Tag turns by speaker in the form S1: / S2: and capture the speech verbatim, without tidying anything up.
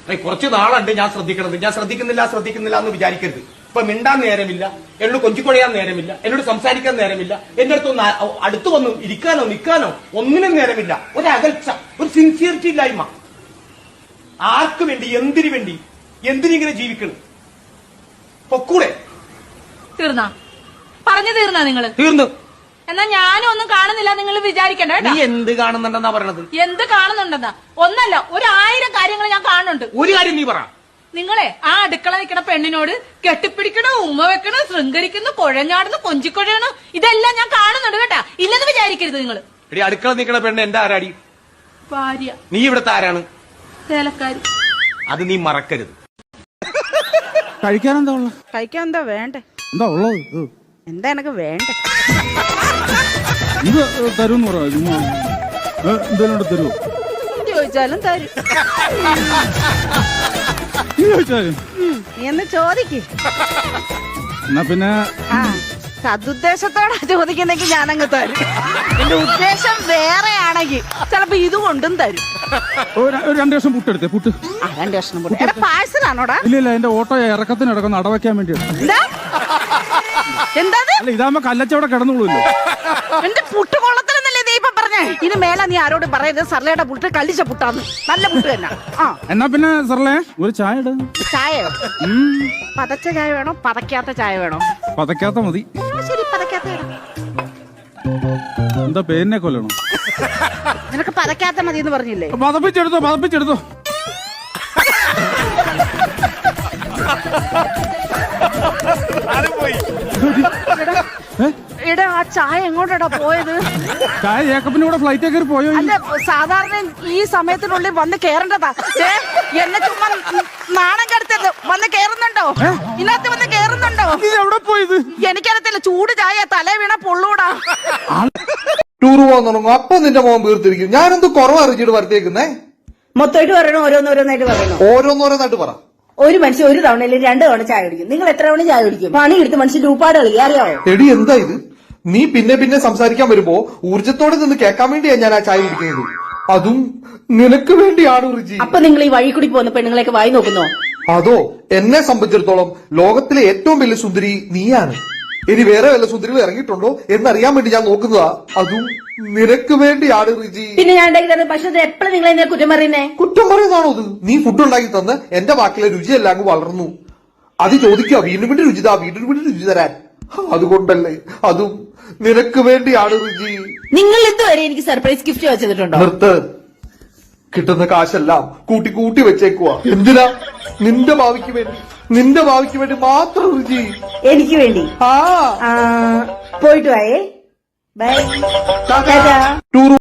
S1: കുറച്ച് നാളുണ്ട് ഞാൻ ശ്രദ്ധിക്കണത്. ഞാൻ ശ്രദ്ധിക്കുന്നില്ല ശ്രദ്ധിക്കുന്നില്ല എന്ന് വിചാരിക്കരുത്. ഇപ്പൊ മിണ്ടാൻ നേരമില്ല, എന്നോട് കൊഞ്ചിക്കൊഴയാൻ നേരമില്ല, എന്നോട് സംസാരിക്കാൻ നേരമില്ല, എന്റെ അടുത്ത് ഒന്ന് അടുത്ത് വന്ന് ഇരിക്കാനോ നിൽക്കാനോ ഒന്നിനും നേരമില്ല. ഒരു അകൽച്ച, ഒരു സിൻസിയറിറ്റി ഇല്ലായ്മ. ആർക്ക് വേണ്ടി, എന്തിനു വേണ്ടി, എന്തിനിങ്ങനെ ജീവിക്കണം? പൊക്കൂടെ?
S2: തീർന്നാ പറഞ്ഞു തീർന്നാ നിങ്ങള്?
S1: തീർന്നു.
S2: എന്നാ ഞാനും ഒന്നും കാണുന്നില്ല നിങ്ങൾ വിചാരിക്കണ്ട.
S1: നീ എന്ത് കാണുന്നുണ്ടെന്നാ പറയണത്?
S2: എന്ത് കാണുന്നുണ്ടെന്നാ? ഒന്നല്ല, ഒരു ആയിരം കാര്യങ്ങൾ ഞാൻ കാണുന്നുണ്ട്.
S1: ഒരു കാര്യം നീ പറ.
S2: നിങ്ങളെ ആ അടുക്കള നിൽക്കണ പെണ്ണിനോട് കെട്ടിപ്പിടിക്കണോ, ഉമ്മ വെക്കണോ, ശൃംഗരിക്കുന്നു, കുഴഞ്ഞാടുന്നു, കൊഞ്ചിക്കൊഴയണോ, ഇതെല്ലാം ഞാൻ കാണുന്നുണ്ട് കേട്ടാ. ഇല്ലെന്ന് വിചാരിക്കരുത് നിങ്ങൾ.
S1: എടി, അടുക്കള നിൽക്കണ പെണ്ണ് എന്റെ ആരാടി?
S2: ഭാര്യ.
S1: നീ ഇവിടുത്തെ ആരാണ്?
S2: ചേലക്കാരി.
S1: അത് നീ മറക്കരുത്.
S3: കഴിക്കാൻ എന്താ ഉള്ള?
S4: കഴിക്കാൻ എന്താ വേണ്ടേ?
S3: എന്താ ഉള്ളത്?
S4: എന്താ എനക്ക് വേണ്ടേ?
S3: ഇത് തരൂന്ന് പറ. എന്തെങ്കിലും തരുമോ?
S4: ചോദിച്ചാലും തരും.
S3: നീ ചോദിച്ചാലും
S4: നീ എന്ന് ചോദിക്ക്.
S3: എന്നാ പിന്നെ
S4: ആ സതുദ്ദേശത്തോടെ ചോദിക്കുന്നെങ്കിൽ ഞാനങ്ങ് തരും. എന്റെ ഉദ്ദേശം വേറെയാണെങ്കിൽ ചിലപ്പോ ഇത് കൊണ്ടും തരും.
S3: ഒരു രണ്ടു വർഷം പുട്ടെടുത്തേ. പുട്ട്
S4: ആ രണ്ട് വർഷം പുട്ട് പാഴ്സലാണോടാ?
S3: ഇല്ല ഇല്ല, എന്റെ ഓട്ടോ ഇറക്കത്തിന് ഇടക്കൊന്ന് അടവയ്ക്കാൻ വേണ്ടിയാണ്.
S4: എന്താ എന്താ
S3: അല്ല, ഇതാകുമ്പോ കല്ലച്ചവിടെ കിടന്നുള്ളൂല്ലോ.
S4: എന്റെ പുട്ട് കൊള്ളത്തിലെന്നല്ലേ നീ ഇപ്പൊ പറഞ്ഞേ? ഇനി മേലെ നീ ആരോട് പറയരുത് സർലയുടെ പുട്ട് കല്ലിച്ച പുട്ടാന്ന്. നല്ല പുട്ട് തന്നെ. ആ
S3: എന്നാ പിന്നെ സർലേ ഒരു ചായ ഇട.
S4: ചായയോ? പതച്ച ചായ വേണോ പതക്കാത്ത ചായ വേണോ?
S3: പതക്കാത്ത മതി.
S4: ശരി, പതക്കാത്ത ഇടാം.
S3: എന്താ പേരിനെ കൊല്ലണോ?
S4: നിനക്ക് പതക്കാത്ത മതി എന്ന് പറഞ്ഞില്ലേ?
S3: പതപ്പിച്ചെടുത്തോ, പതപ്പിച്ചെടുത്തോ.
S4: എടാ, ആ ചായ എങ്ങോട്ടാ പോയത്?
S3: ചായ ജേക്കബിന്റെ കൂടെ ഫ്ലൈറ്റ് കയറി പോയോ?
S4: അല്ല, സാധാരണ ഈ സമയത്തിനുള്ളിൽ വന്ന് കേറേണ്ടതാ. എന്നെ ചുമ്മാ നാണം കെടുത്തത്. വന്ന് കേറുന്നുണ്ടോ? ഇതിനകത്ത് വന്ന് കേറുന്നുണ്ടോ?
S3: എവിടെ പോയത്?
S4: എനിക്കറിയത്തില്ല. ചൂട് ചായ തല വീണ പൊള്ളൂടാ.
S5: ടൂർ പോകാൻ തുടങ്ങും, അപ്പൊ നിന്റെ മോൻ വീർത്തിരിക്കും. ഞാനെന്ത് കുറവ് അറിയിച്ചിട്ട് വരുത്തേക്കുന്നേ?
S6: മൊത്തമായിട്ട് പറയണോ ഓരോന്നോരോന്നായിട്ട് പറയണോ?
S5: ഓരോന്നോരോന്നായിട്ട് പറ.
S6: ഒരു മനുഷ്യൻ ഒരു തവണ അല്ലെങ്കിൽ രണ്ട് തവണ ചായ കുടിക്കും. നിങ്ങൾ എത്ര തവണ ചായ കുടിക്കും? പണി എടുത്ത് മനുഷ്യൻ രൂപാട് കളി അറിയാവോ?
S5: എടി, എന്താ ഇത്? നീ പിന്നെ പിന്നെ സംസാരിക്കാൻ വരുമ്പോ ഊർജത്തോടെ നിന്ന് കേൾക്കാൻ വേണ്ടിയാ ഞാൻ ആ ചായ കുടിക്കുന്നത്. അതും നിനക്ക് വേണ്ടിയാണ് റിജി.
S6: അപ്പൊ നിങ്ങൾ ഈ വഴി കൂടി പോകുന്ന പെണ്ണുങ്ങളെയൊക്കെ വായി നോക്കുന്നോ?
S5: അതോ, എന്നെ സംബന്ധിച്ചിടത്തോളം ലോകത്തിലെ ഏറ്റവും വലിയ സുന്ദരി നീയാണ്. ഇനി വേറെ വല്ല സുന്ദരികൾ ഇറങ്ങിയിട്ടുണ്ടോ എന്നറിയാൻ വേണ്ടി ഞാൻ നോക്കുന്നതാ. അതും നിനക്ക് വേണ്ടിയാണ് റിജി.
S6: പിന്നെ ഞാൻ ഉണ്ടാക്കി തരുന്ന ഭക്ഷണത്തെ എപ്പോഴും നിങ്ങൾ എന്നെ കുറ്റം പറയുന്നേ?
S5: കുറ്റം പറയുന്നതാണോ ഇത്? നീ ഫുഡ് ഉണ്ടാക്കി തന്ന് എന്റെ വാക്കിലെ രുചിയെല്ലാം അങ്ങ് വളർന്നു. അത് ചോദിക്കുക, വീണ്ടും വീണ്ടും രുചിതാ, വീണ്ടും വീണ്ടും രുചി തരാൻ. അതുകൊണ്ടല്ലേ, അതും നിനക്ക് വേണ്ടിയാണ് റിജി.
S6: നിങ്ങൾ ഇതുവരെ എനിക്ക് സർപ്രൈസ് ഗിഫ്റ്റ് വെച്ചിട്ടുണ്ടോ?
S5: നിർത്ത്. കിട്ടുന്ന കാശെല്ലാം കൂട്ടി കൂട്ടി വെച്ചേക്കുവാ. എന്തിനാ? നിന്റെ ഭാവിക്ക് വേണ്ടി, നിന്റെ ഭാവിക്ക് വേണ്ടി മാത്രം റിജി.
S6: എനിക്ക് വേണ്ടി?
S5: ആ
S6: പോയിട്ട് വായേ. ബൈ.
S5: ടൂർ